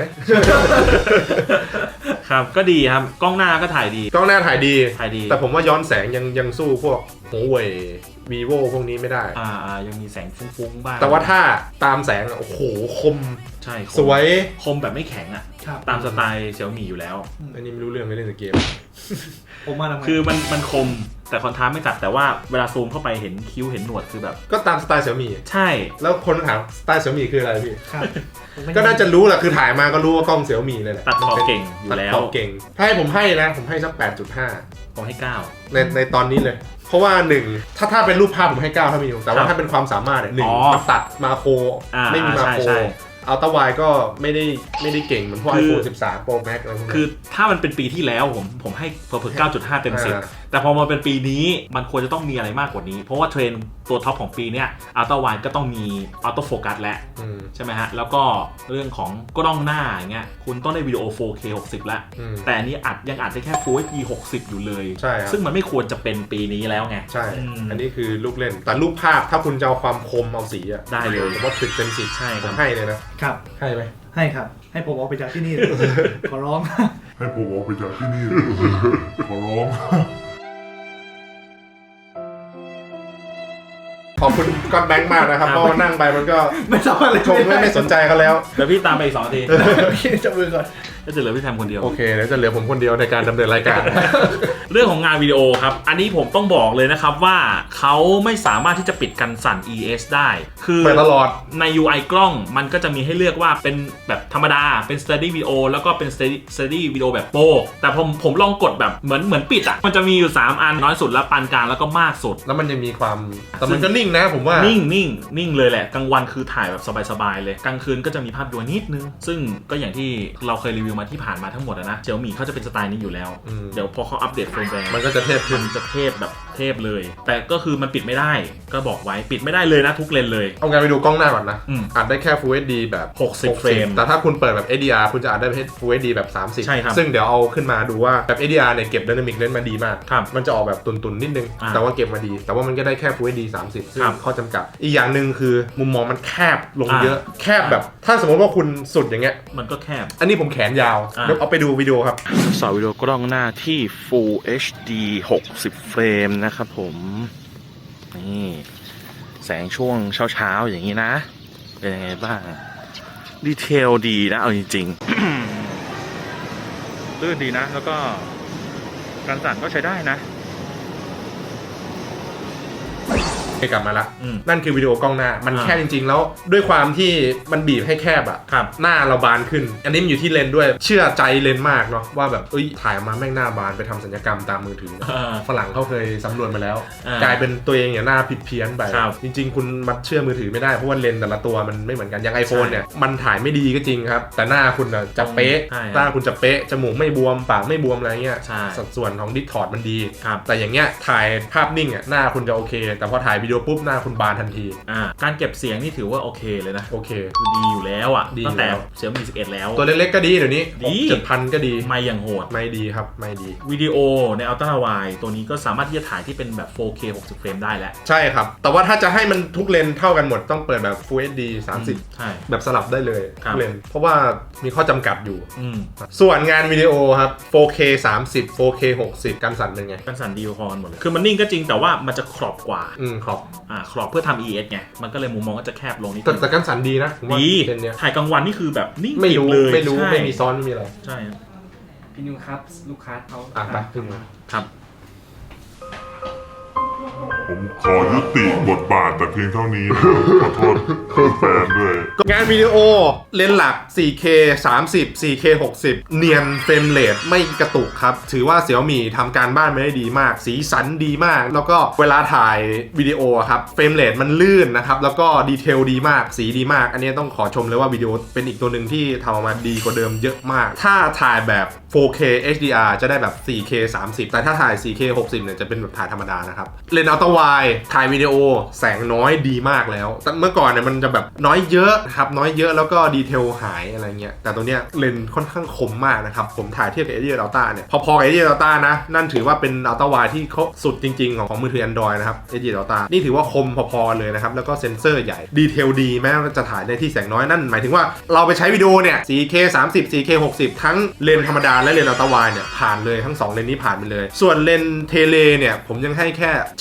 B: ครับก็ดีครับกล้องหน้าก็ถ่ายดี
A: กล้องหน้าถ่ายดี
B: ถ่ายดี
A: แต่ผมว่าย้อนแสงยังยังสู้พวกหัวเว่ย vivo พวกนี้ไม่ได้
B: อ่าอ่ายังมีแสงฟุ้งๆบ้าง
A: แต่ว่าถ้าตามแสงโอ้โหคม
B: ใช่
A: สวย
B: คมแบบไม่แข็งอ่ะตามสไตล์เสี่ยวหมี่อยู่แล้ว
A: อันนี้ไม่รู้เรื่องไม่เล่นเกม
C: ผมมาทำไม
B: คือมันมันคมแต่คอนทราสต์ไม่ตัดแต่ว่าเวลาซูมเข้าไปเห็นคิ้วเห็นหนวดคือแบบ
A: ก็ตามสไตล์เสี่ยวหมี่
B: ใช่
A: แล้วคนถามสไตล์เสี่ยวหมี่คืออะไรพี่ก็น่าจะรู้แหละคือถ่ายมาก็รู้ว่ากล้องเสี่ยวหมี่เลยแหละ
B: ตัดต่อเก่งอยู่แล้ว
A: ตัดต่อเก่งถ้าให้ผมให้นะผมให้สัก แปดจุดห้า
B: ผมให้เก้า
A: ในในตอนนี้เลยเพราะว่าหนึ่งถ้าถ้าเป็นรูปภาพผมให้เก้าถ้ามีอยู่แต่ว่าถ้าเป็นความสามารถเนี่ยหนึ่งมันตัดมาโครไม่มีมาโครอัลต้าไวก็ไม่ได้ไม่ได้เก่งเหมือนพวก ไอโฟน สิบสาม Pro Max อะไรพวกนี้
B: คือถ้ามันเป็นปีที่แล้วผมผมให้เพิ่ม เก้าจุดห้า เต็มสิบแต่พอมาเป็นปีนี้มันควรจะต้องมีอะไรมากกว่านี้เพราะว่าเทรนด์ตัวท็อปของปีเนี้ยอัลต้าไวก็ต้องมีออโต้โฟกัสแล้วใช่ไหมฮะแล้วก็เรื่องของกล้องหน้าอย่างเงี้ยคุณต้องได้วิดีโอ โฟร์เค หกสิบแล้วแต่อันนี้อัดยังอัดได้แค่ Full เอช ดี หกสิบอยู่เลยซึ่งมันไม่ควรจะเป็นปีนี้แล้วไง
A: ใช่อันนี้คือลูกเล่นแต่รูปภาพถ้าคุณจะเอาความคมเอาสีอะ
B: ได้เลย
A: ผมว่าสิบเต็มสิบ
B: ใช่
A: ผมให้เลยนะครับให้ไหม
C: ให้ครับให้ผมออกไปจากที่นี่ ขอร้อง
E: ให้ผมออกไปจากที่นี่ ขอร้อง
A: ขอบคุณก้อนแบงค์มากนะครับเพราะว่านั่งไปมันก็
C: ไม่สามารถ
A: ชมไม่ไม่สนใจเขาแล้ว
B: เดี๋ยวพี่ตามไปอีกสองนาที
C: จะมือก่อน
B: ก็จะเหลือพี่แทมคนเดียว
A: โอเคเดี๋ยวจะเหลือผมคนเดียวในการดำเนินรายการ
B: เรื่องของงานวิดีโอครับอันนี้ผมต้องบอกเลยนะครับว่าเขาไม่สามารถที่จะปิดกันสั่น อี เอส ได้คือ
A: เปิดตลอด
B: ใน ยู ไอ กล้องมันก็จะมีให้เลือกว่าเป็นแบบธรรมดาเป็น Steady Video แล้วก็เป็น Steady Video แบบโปรแต่ผมผมลองกดแบบเหมือนเหมือนปิดอ่ะมันจะมีอยู่สามอันน้อยสุดแล้วปานกลางแล้วก็มากสุด
A: แล้วมันจะมีความแต่มันก็นิ่งนะผมว่า
B: นิ่งนิ่งนิ่งเลยแหละกลางวันคือถ่ายแบบสบายๆเลยกลางคืนก็จะมีภาพดวงนิดนึงซึ่งก็อย่างที่เราเคยรีวิวมาที่ผ่านมาทั้งหมดนะเสี่ยวหมี่เขาจะเป็นสไตล์นี้อยู่แล้วเดี๋ยวพอเขาอัปเดตเฟิร์มแวร์
A: มันก็จะเทพขึ้น
B: จะเทพแบบเทพเลยแต่ก็คือมันปิดไม่ได้ก็บอกไว้ปิดไม่ได้เลยนะทุกเลนเลย
A: เอางานไปดูกล้องหน้าก่อนนะอัดได้แค่ Full เอช ดี แบบ
B: หกสิบเฟรม
A: แต่ถ้าคุณเปิดแบบ เอช ดี อาร์ คุณจะอัดได้ Full เอช ดี แบบสามสิบ
B: ใช่ครับ
A: ซึ่งเดี๋ยวเอาขึ้นมาดูว่าแบบ เอช ดี อาร์ เนี่ยเก็บ Dynamic Range มาดีมากมันจะออกแบบตุนๆนิดนึงแต่ว่าเก็บมาดีแต่ว่ามันก็ได้แค่ Full เอช ดี สามสิบซึ่งข้อจำกัดอีกอย่างนึงคือมุมมองมันแคบลงเยอะแคบแบบถ้าสมมติว่าคุณสุดอย่างเงี้ย
B: มันก็แคบ
A: อันนี้ผมแขนยาวเดี๋ยวเอาไปดูวิดีโอครับ
B: สาววิดีโอกล้องหน้าที่ Full เอช ดี หกสิบเฟรมนะครับผมนี่แสงช่วงเช้าๆอย่างนี้นะเป็นยังไงบ้างดีเทลดีนะเอาจริงๆลื่นดีนะแล้วก็การสั่นก็ใช้ได้นะ
A: กลับมาละนั่นคือวิดีโอกล้องหน้ามันแคบจริงๆแล้วด้วยความที่มันบีบให้แคบอ่ะหน้าเราบานขึ้นอันนี้มันอยู่ที่เลนด้วยเชื่อใจเลนมากเนาะว่าแบบเอ้ยถ่ายมาแม่งหน้าบานไปทำศัลยกรรมตามมือถือฝรั่งเขาเคยสำรวจมาแล้วกลายเป็นตัวเองเนี่ยหน้าผิดเพี้ยนไปจริงๆคุณมัดเชื่อมือถือไม่ได้เพราะว่าเลนแต่ละตัวมันไม่เหมือนกันอย่าง iPhone เนี่ยมันถ่ายไม่ดีก็จริงครับแต่หน้าคุณจะเป๊ะหน้าคุณจะเป๊ะจมูกไม่บวมปากไม่บวมอะไรเงี้ยสัดส่วนของดิสทอร์ดมันดีแต่อย่างเงี้ยถ่ายภาพนิ่งอ่ะหน้าคุณจะโอเคแต่พอถ่ายวิดีโอปุ๊บคุณบานทันที
B: อ่าการเก็บเสียงนี่ถือว่าโอเคเลยนะ
A: โอเค
B: คือดีอยู่แล้วอ่ะตั้งแต่เสี่ยวหมี่สิบเอ็ดแล้ว
A: ตัวเล็กๆก็ดีเดี๋ยวนี้ดี เจ็ดพัน ก็ดี
B: ไม่อย่างโหด
A: ไม่ดีครับไม่ดี
B: วิดีโอในอัลตร้าไวด์ตัวนี้ก็สามารถที่จะถ่ายที่เป็นแบบ โฟร์เค หกสิบเฟรมได้แล้ว
A: ใช่ครับแต่ว่าถ้าจะให้มันทุกเลนเท่ากันหมดต้องเปิดแบบ Full เอช ดี สามสิบ
B: ใช่
A: แบบสลับได้เลยทุกเลนเพราะว่ามีข้อจำกัดอยู่ส่วนงานวิดีโอครับ โฟร์เค สามสิบ โฟร์เค หกสิบการสั่นเป็นไง
B: การสั่นดีพอหมดเลยคือมันนิ่งก็จริงแต่ว่ามันจะครอบกว่า
A: อืมครอบ
B: อ่าครอบเพื่อทำ อี เอส ไงมันก็เลยมุมมองก็จะแคบลงนิด
A: แต่การสั่นดีนะ
B: ดีถ่ายกลางวันนี่คือแบบนิ่ง
A: ไม่รู้ไม่รู้ไม่มีซ้อนไม่มีอะไร
B: ใช่
D: พี่นิวครับลูกค้าเขา
A: อ่ะไปขึ้นมา
B: ครับ
E: ผมขอยุติบทบาทแต่เพียงเท่านี้ขอโทษแฟนด้วย
A: งานวิดีโอเลนส์หลัก โฟร์เค สามสิบ โฟร์เค หกสิบเนียนเฟรมเรทไม่กระตุกครับถือว่าเสี่ยวหมี่ทำการบ้านมาได้ดีมากสีสันดีมากแล้วก็เวลาถ่ายวิดีโอครับเฟรมเรทมันลื่นนะครับแล้วก็ดีเทลดีมากสีดีมากอันนี้ต้องขอชมเลยว่าวิดีโอเป็นอีกตัวหนึ่งที่ทำออกมาดีกว่าเดิมเยอะมากถ้าถ่ายแบบ โฟร์เค เอช ดี อาร์ จะได้แบบ โฟร์เค สามสิบแต่ถ้าถ่าย โฟร์เค หกสิบเนี่ยจะเป็นแบบถ่ายธรรมดานะครับเลนส์อัลตร้าไวด์ถ่ายวิดีโอแสงน้อยดีมากแล้วแต่เมื่อก่อนเนี่ยมันจะแบบน้อยเยอะครับน้อยเยอะแล้วก็ดีเทลหายอะไรเงี้ยแต่ตัวเนี้ยเลนส์ค่อนข้างคมมากนะครับผมถ่ายเทียบกับ เอ ดี เอ Ultra เนี่ยพอๆกับ เอ ดี เอ Ultra นะนั่นถือว่าเป็นอัลตร้าไวด์ที่เขาสุดจริงๆของของมือถือ Android นะครับ เอ ดี เอ Ultra นี่ถือว่าคมพอๆเลยนะครับแล้วก็เซ็นเซอร์ใหญ่ดีเทลดีแม้ว่าจะถ่ายในที่แสงน้อยนั่นหมายถึงว่าเราไปใช้วิดีโอเนี่ย โฟร์เค สามสิบ โฟร์เค หกสิบทั้งเลนส์ธรรมดาและเลนส์อัลตร้าไวด์เนี่ยผ่านเลยทั้งสองเลนส์นี้ผ่านไปเลยส่วนเลนส์เทเลเนี่ยผมยังให้แค่ใช้ได้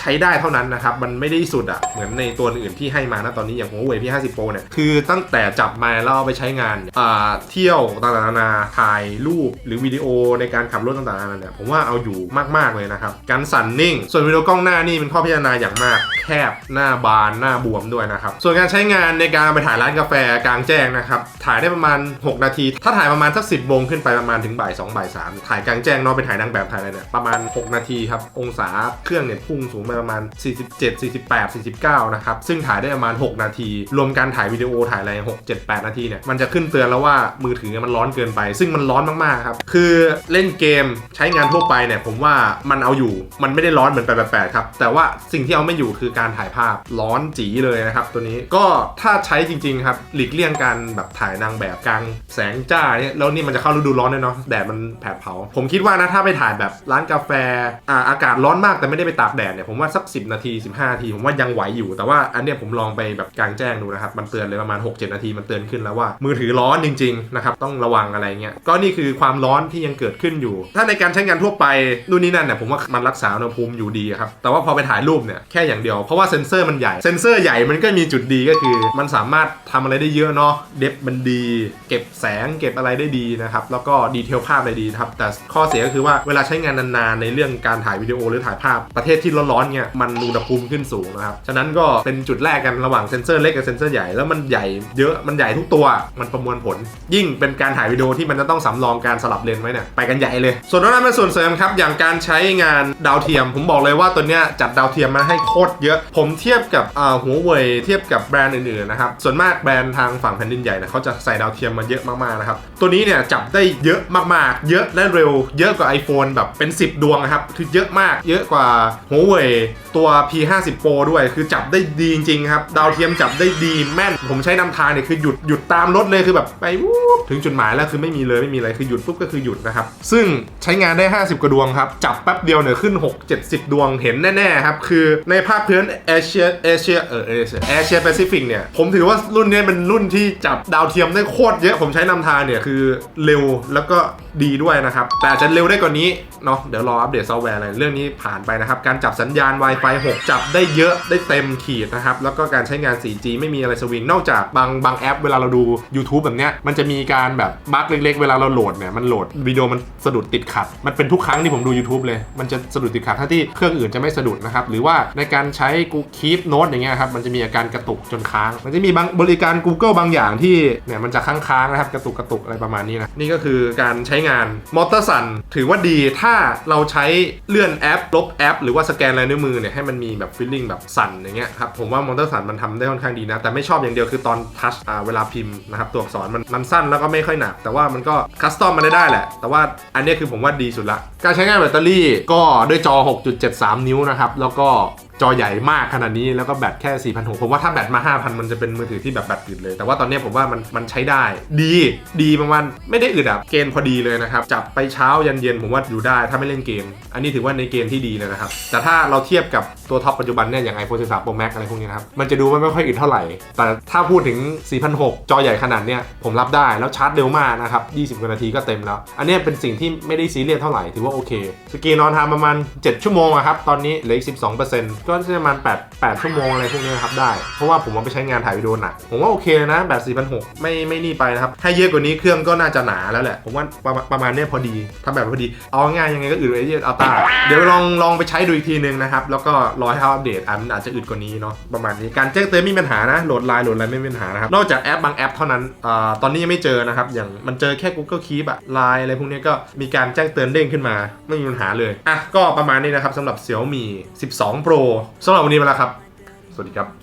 A: เท่านั้นนะครับมันไม่ได้สุดอ่ะเหมือนในตัวอื่นที่ให้มานะตอนนี้อย่าง Huawei พี ห้าสิบ Pro เนี่ยคือตั้งแต่จับมาแล้วเอาไปใช้งานอ่าเที่ยวต่างๆนานาถ่ายรูปหรือวิดีโอในการขับรถต่างๆนานาเนี่ยผมว่าเอาอยู่มากๆเลยนะครับการสั่นนิ่งส่วนวิดีโอกล้องหน้านี่เป็นข้อพิจารณาอย่างมากแคบหน้าบานหน้าบวมด้วยนะครับส่วนการใช้งานในการไปถ่ายร้านกาแฟกลางแจ้งนะครับถ่ายได้ประมาณหกนาทีถ้าถ่ายประมาณสักสิบโมงขึ้นไปประมาณถึงบ่ายสองบ่ายสามถ่ายกลางแจ้งเนาะไปถ่ายนางแบบถ่ายอะไรเนี่ยประมาณหกนาทีครับองศาเครื่องเนี่ยพุ่งสูงไปประมาณสี่สิบเจ็ด สี่สิบแปด สี่สิบเก้านะครับซึ่งถ่ายได้ประมาณหกนาทีรวมการถ่ายวิดีโอถ่ายอะไรหก เจ็ด แปดนาทีเนี่ยมันจะขึ้นเตือนแล้วว่ามือถือมันร้อนเกินไปซึ่งมันร้อนมากๆครับคือเล่นเกมใช้งานทั่วไปเนี่ยผมว่ามันเอาอยู่มันไม่ได้ร้อนเหมือนแปด แปด แปดครับแต่ว่าสิ่งที่เอาไม่อยู่คือการถ่ายภาพร้อนจีเลยนะครับตัวนี้ก็ถ้าใช้จริงๆครับหลีกเลี่ยงการแบบถ่ายนางแบบกลางแสงจ้าเนี่ยแล้วนี่มันจะเข้าฤดูร้อนด้วยเนาะแดดมันแผดเผาผมคิดว่านะถ้าไปถ่ายแบบร้านกาแฟอ่าอากาศร้อนมากแต่ไม่ได้ไปตากแดดเนี่ยผมว่าสักสิบนาทีสิบห้านาทีผมว่ายังไหวอยู่แต่ว่าอันเนี้ยผมลองไปแบบกลางแจ้งดูนะครับมันเตือนเลยประมาณ หก เจ็ด นาทีมันเตือนขึ้นแล้วว่ามือถือร้อนจริงๆนะครับต้องระวังอะไรเงี้ยก็นี่คือความร้อนที่ยังเกิดขึ้นอยู่ถ้าในการใช้งานทั่วไปนู่นนี่นั่นเนี่ยผมว่ามันรักษาอุณหภูมิอยู่ดีครับแต่ว่าพอไปถ่ายรูปเนี่ยแค่อย่างเดียวเพราะว่าเซ็นเซอร์มันใหญ่เซ็นเซอร์ใหญ่มันก็มีจุดดีก็คือมันสามารถทำอะไรได้เยอะเนาะเดฟมันดีเก็บแสงเก็บอะไรได้ดีนะครับแล้วก็ดีเทลภาพได้ดีครับแต่ข้อเสียก็คือว่าเวลาใช้งานนานๆในเรื่องการถ่ายวิดีโอหรือถ่ายภาพประเทศที่ร้อนๆเนี่ยมันอุณหภูมิขึ้นสูงนะครับฉะนั้นก็เป็นจุดแรกกันระหว่างเซ็นเซอร์เล็กกับเซ็นเซอร์ใหญ่แล้วมันใหญ่เยอะมันใหญ่ทุกตัวมันประมวลผลยิ่งเป็นการถ่ายวิดีโอที่มันจะต้องสำรองการสลับเลนไว้เนี่ยไปกันใหญ่เลยส่วนนั้นเป็นส่วนเสริมครับอย่างการใช้งานดาวเทียมผมบอกเลยว่าตัวเนี้ยจัดดาวเทียมมาให้โคตรเยอะผมเทียบกับอ่า Huawei เทียบกับแบรนด์อื่นๆนะครับส่วนมากแบรนด์ทางฝั่งแผ่นดินใหญ่นะเขาจะใส่ดาวเทียมมาเยอะมากๆนะครับตัวนี้เนี่ยจับได้เยอะมากๆเยอะและเร็วเยอะกว่า iPhone แบบเป็นสิบดวงนะครับคือเยอะมากเยอะกว่า Huawei ตัว พี ห้าสิบ Pro ด้วยคือจับได้ดีจริงๆครับดาวเทียมจับได้ดีแม่นผมใช้นำทางเนี่ยคือหยุดหยุดตามรถเลยคือแบบไปวู๊บถึงจุดหมายแล้วคือไม่มีเลยไม่มีอะไรคือหยุดปุ๊บก็คือหยุดนะครับซึ่งใช้งานได้ห้าสิบกว่าดวงครับจับแป๊บเดียวเนี่ยขึ้นหก เจ็ดสิบดวงเห็นแน่ๆครับคือในภาคพื้นเอเชียเอเชียเออเอเชียเอเชียแปซิฟิกเนี่ยผมถือว่ารุ่นนี้เป็นรุ่นที่จับดาวเทียมได้โคตรเยอะผมใช้นำทางเนี่ยคือเร็วแล้วก็ดีด้วยนะครับแต่อาจจะเร็วได้กว่านี้เนาะเดี๋ยวรออัปเดตซอฟต์แวร์อะไรเรื่องนี้ผ่านไปนะครับการจับสัญญาณ Wi-Fi หกจับได้เยอะได้เต็มขีดนะครับแล้วก็การใช้งาน โฟร์จี ไม่มีอะไรสวิงนอกจากบางบางแอปเวลาเราดู YouTube แบบเนี้ยมันจะมีการแบบบั๊กเล็กๆเวลาเราโหลดเนี่ยมันโหลดวิดีโอมันสะดุดติดขัดมันเป็นทุกครั้งที่ผมดู YouTube เลยมันจะสะดุดติดขัดถ้าที่เครื่องอื่นจะไม่สะดุดนะครับหรือว่าในการใช้กูคีปโน้ตอย่างเงี้ยครับมันจะมีอาการกระตุกจนค้างมันจะมีบางบริการ Google บางอย่างที่เนี่ยมันจะค้างๆนะครับกระตุกกระตุกอะไรประมาณนี้นะนี่ก็คือการใช้งานมอเตอร์สันถือว่าดีถ้าเราใช้เลื่อนแอปลบแอปหรือว่าสแกนลายนิ้วมือเนี่ยให้มันมีแบบฟีลลิ่งแบบสั่นอย่างเงี้ยครับผมว่ามอเตอร์สันมันทำได้ค่อนข้างดีนะแต่ไม่ชอบอย่างเดียวคือตอนทัชอ่าเวลาพิมพ์นะครับตัวอักษรมันมันสั้นแล้วก็ไม่ค่อยหนักแต่ว่ามันก็คัสตอมมาได้ได้แหละแต่ว่าอันนี้คือผมว่าดีสุดละการใช้งานแบตเตอรี่ก็ด้วยจอ หกจุดเจ็ดสาม นิ้วนะครับแล้วก็จอใหญ่มากขนาดนี้แล้วก็แบตแค่ สี่พันหกร้อย ผมว่าถ้าแบตมา ห้าพัน มันจะเป็นมือถือที่แบบแบตอึดเลยแต่ว่าตอนนี้ผมว่ามันมันใช้ได้ดีดีประมาณไม่ได้อึดอ่ะเกณฑ์พอดีเลยนะครับจับไปเช้ายันเย็นผมว่าอยู่ได้ถ้าไม่เล่นเกมอันนี้ถือว่าในเกณฑ์ที่ดีเลยนะครับแต่ถ้าเราเทียบกับตัวท็อปปัจจุบันเนี่ยอย่าง iPhone สิบสาม Pro Max อะไรพวกนี้นะครับมันจะดูไม่ค่อยอึดเท่าไหร่แต่ถ้าพูดถึง สี่พันหกร้อย จอใหญ่ขนาดเนี้ยผมรับได้แล้วชาร์จเร็วมากนะครับยี่สิบกว่านาทีก็เต็มแล้วอันนี้เป็นสิ่งที่ไม่ได้ซีเรียสเท่าไหร่ถือว่าโอเคสกรีนนอนทำประมาณเจ็ดชั่วโมงอะครับตอนนี้เหลืออีก สิบสองเปอร์เซ็นต์ ก็ประมาณแปด แปดชั่วโมงอะไรพวกนี้ครับได้เพราะว่าผมเอาไปใช้งานถ่ายวิดีโอหนักผมว่าโอเคนะแบบ สี่พันหกร้อย ไม่ไม่นี่ไปนะครับให้เยอะกว่านี้เครื่องก็น่าจะหนาแล้วแหละผมว่าประประมาณนี้พอดีทำแบบพอดีเอาง่ายยังไงก็อึดไอ้ที่อัลต้าเดี๋ยวลองลองไปใช้ดูอีกทีนึงนะครับแล้วก็รอให้เขาอัปเดตอันอาจจะอึดกว่านี้เนาะประมาณนี้การแจ้งเตือนไม่มีปัญหานะโหลดไลน์โหลดอะไรไม่มีปัญหานะครับนอกจากแอปบางแอปเท่านั้นอ่าตอนนี้ยังไม่เจอนะครับอย่างมันเจอแค่ Google Keep อะ ไลน์ อะไรพวกนี้ก็มีการแจ้งเตือนเด้งขึ้นมาไม่มีปัญหาเลยอ่ะก็ประมาณนี้นะครับสำหรับ Xiaomi สิบสอง Pro สำหรับวันนี้ไปแล้วครับสวัสดีครับ